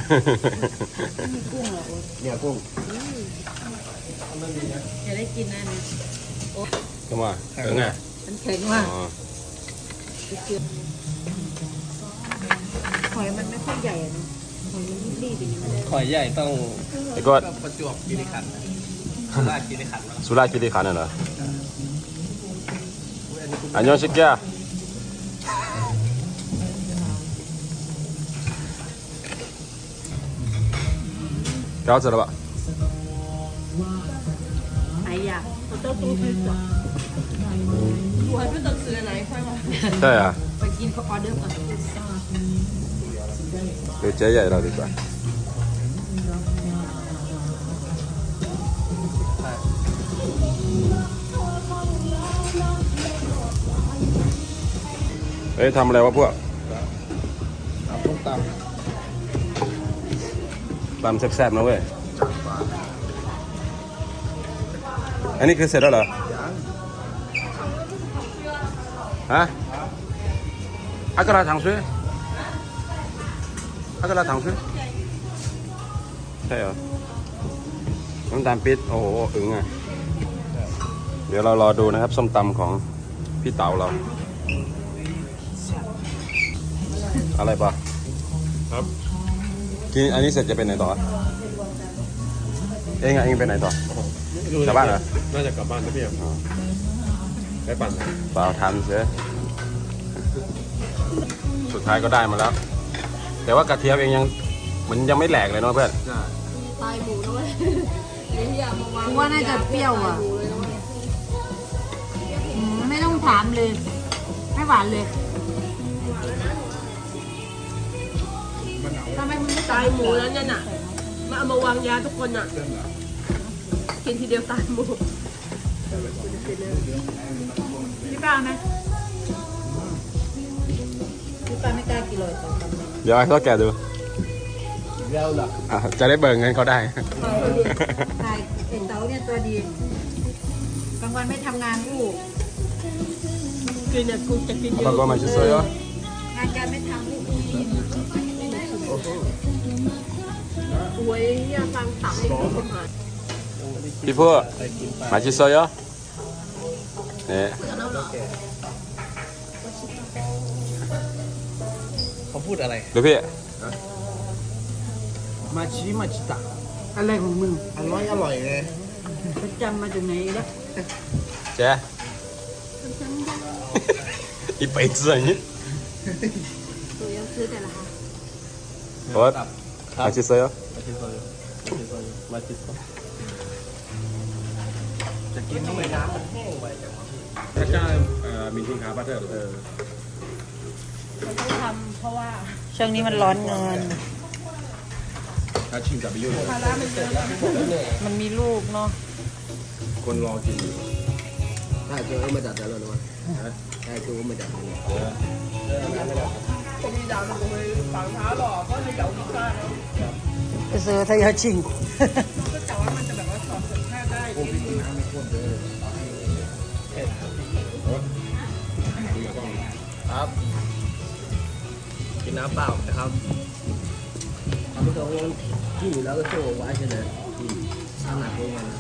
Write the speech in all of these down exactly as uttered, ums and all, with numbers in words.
มีกุ้งเหรอเนี่ยกุ้งจะได้กินนะเนี่ยโอ้ก็มาเออไงมันแข็งมากหอยมันไม่ค่อยใหญ่อะนะหอยมันรีบๆอย่างนี้มันเลยหอยใหญ่ต้องไอ้ก็ประจวบคีรีขันธ์สุราษฎร์คีรีขันธ์สุราษฎร์คีรีขันธ์น่ะเหรออันยองชิกแก่เจ้าเสร็จแล้วปะไหนอยาก我都都去找我还不知道吃的哪一块吗ใช่อ่ะไปกินเขาออเดอร์ก่อนเดี๋ยวเจ๊ใหญ่เราดีกว่าเฮ้ยทำอะไรวะพวกตำต้มตตำแซ่บๆนะเว้ยอันนี้คือเสร็จแล้วเหรอฮะอากาศถังซื้ออากาศถังซื้อใช่เหรอน้ำตาลปิดโอ้โหอึ๋งอ่ะเดี๋ยวเรารอดูนะครับส้มตำของพี่เต๋าเราอะไรปะครับกินอันนี้เสร็จจะเป็นไหนต่อเองอ่ะเองเป็นไหนต่อกลับบ้านเหรอน่าจะกลับบ้านนะพี่อ่ะได้ปั่นเปล่าทันเสียสุดท้ายก็ได้มาแล้วแต่ว่ากระเทียมเองยังเหมือนยังไม่แหลกเลยเนาะเพื่อนตายหมูด้วยกูว่าน่าจะเปรี้ยวอ่ะไม่ต้องถามเลยไม่หวานเลยทำไมมึงไม่ตายหมูแล้วเนี่ยน่ะมาเอามาวางยาทุกคนน่ะกินทีเดียวตายหมูพี่ป้าไหมพี่ป้าไม่กล้ากินเลยตอนทำเดี๋ยวให้เขาแกะดูแล้วล่ะจะได้เบิกเงินเขาได้ตายเอ็นเต๋าเนี่ยตัวดีกลางวันไม่ทำงานกูกินเนี่ยกูจะกินเยอะแล้วก็มาชิโซโยงานการไม่ทำกูกินโอ้ยอย่าฟังตับให้คนหายพี่พูดมาชิโซโยเนี่ยเขาพูดอะไรดูพี่มาชิมาชิตะอะไรของมึงอร่อยอร่อยเลยไปจำมาจากไหนแล้วเจ๊อีไปเสื่อนี่ตัวยังซื้อแต่ละค่ะโอ๊ตมาชิโซโยมาชิโซโยมาชิโซจะกินทำไมน้ำมันแห้งไปจังวะถ้าจ้ามีทิ้งขาบัตเตอร์เออมันต้องทำเพราะว่าช่วงนี้มันร้อนเงินถ้าชิมกับไปยุ่งภาระมันเยอะมันมีลูกเนาะคนรอกินอยู่ถ้าเจอไม่จัดแต่แล้วนะถ้าเจอไม่จัดเลยผมมีดาวมันเลยฝังเท้าหรอกก็เลยเดาไม่ได้ไปซื้อทายาชิงก็แต่ว่ามันจะแบบว่าสอบสัญชาติได้โอ้พี่กินน้ำไม่ข้นเลยครับกินน้ำเปล่านะครับเอาไปตรงที่อยู่แล้วก็โชว์ไว้ใช่ไหมข้างหน้าตรงนั้น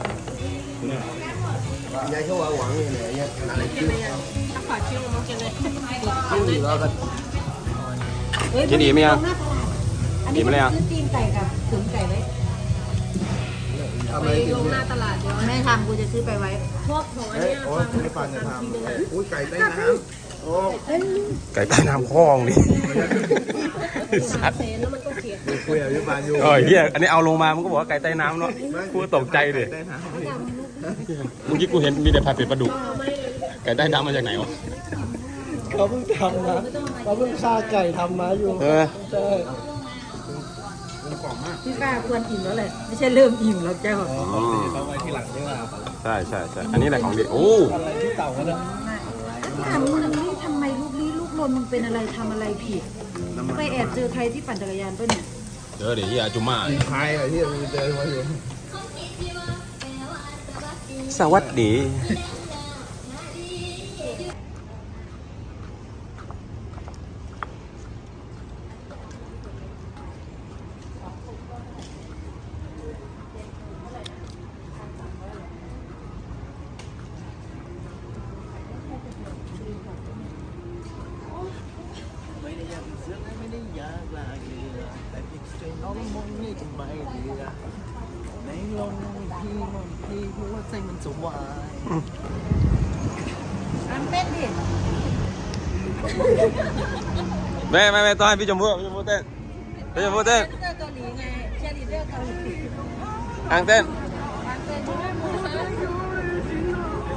ยายเขาวางหวังเลยเนี่ยอะไรชื่อถ้าขอชื่อมันจะเลยชื่ออยู่แล้วก็กินดีไหมยังดีไหมยังซื้อตีนไก่กับตุ๋นไก่ไว้ไปลงหน้าตลาดเดี๋ยวแม่ทำกูจะซื้อไปไว้พวกของอันนี้ฟังไม่ฟังจะทำอุ้ยไก่ใต้น้ำโอ้ไก่ใต้น้ำคลองดิสัตว์คุยกับพี่ปานอยู่เออเฮียอันนี้เอาลงมามันก็บอกว่าไก่ใต้น้ำเนาะกูตกใจดิเมื่อกี้กูเห็นมีแต่ผัดเผ็ดปลาดุกไก่ใต้น้ำมาจากไหนวะเขาเพิ่งทำนะเขาเพิ่งฆ่าไก่ทำมาอยู่เออใช่พี่ป้าควรอิ่มแล้วแหละไม่ใช่เริ่มอิ่มแล้วเจ้าเขาไว้ที่หลังใช่ไหมใช่ใช่ใช่อันนี้แหละของดีโอ้อะไรที่เต่ากันนะถามมึงนี่ทำไมลูกลี้ลูกลนมึงเป็นอะไรทำอะไรผิดไปแอบเจอใครที่ปั่นจักรยานป่ะเนี่ยเจอเดี๋ยวที่อาจุม่าใครอะที่มึงเจอมาอยู่สวัสดีมนต์นี่จะไม่ดีนะในลมที่มันที่หัวใจมันจะวายอันเต้นดิแม่แม่แม่ต้องให้พี่ชมพู่พี่ชมพู่เต้นพี่ชมพู่เต้นเสื้อเกาหลีไงเชียร์ลีดเดอร์เกาหลีอังเต้นอันเต้นใช่ไหมมูน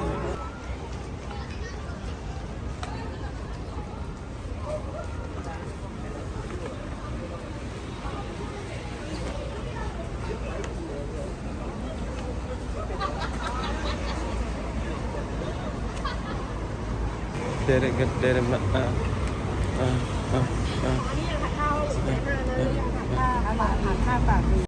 เด็ดเด็ดเด็ดมาอ่าอ่าอ่าอันนี้ยังหักข้าวเสร็จเลยยังหักข้าวอาหารหักข้าวปากดี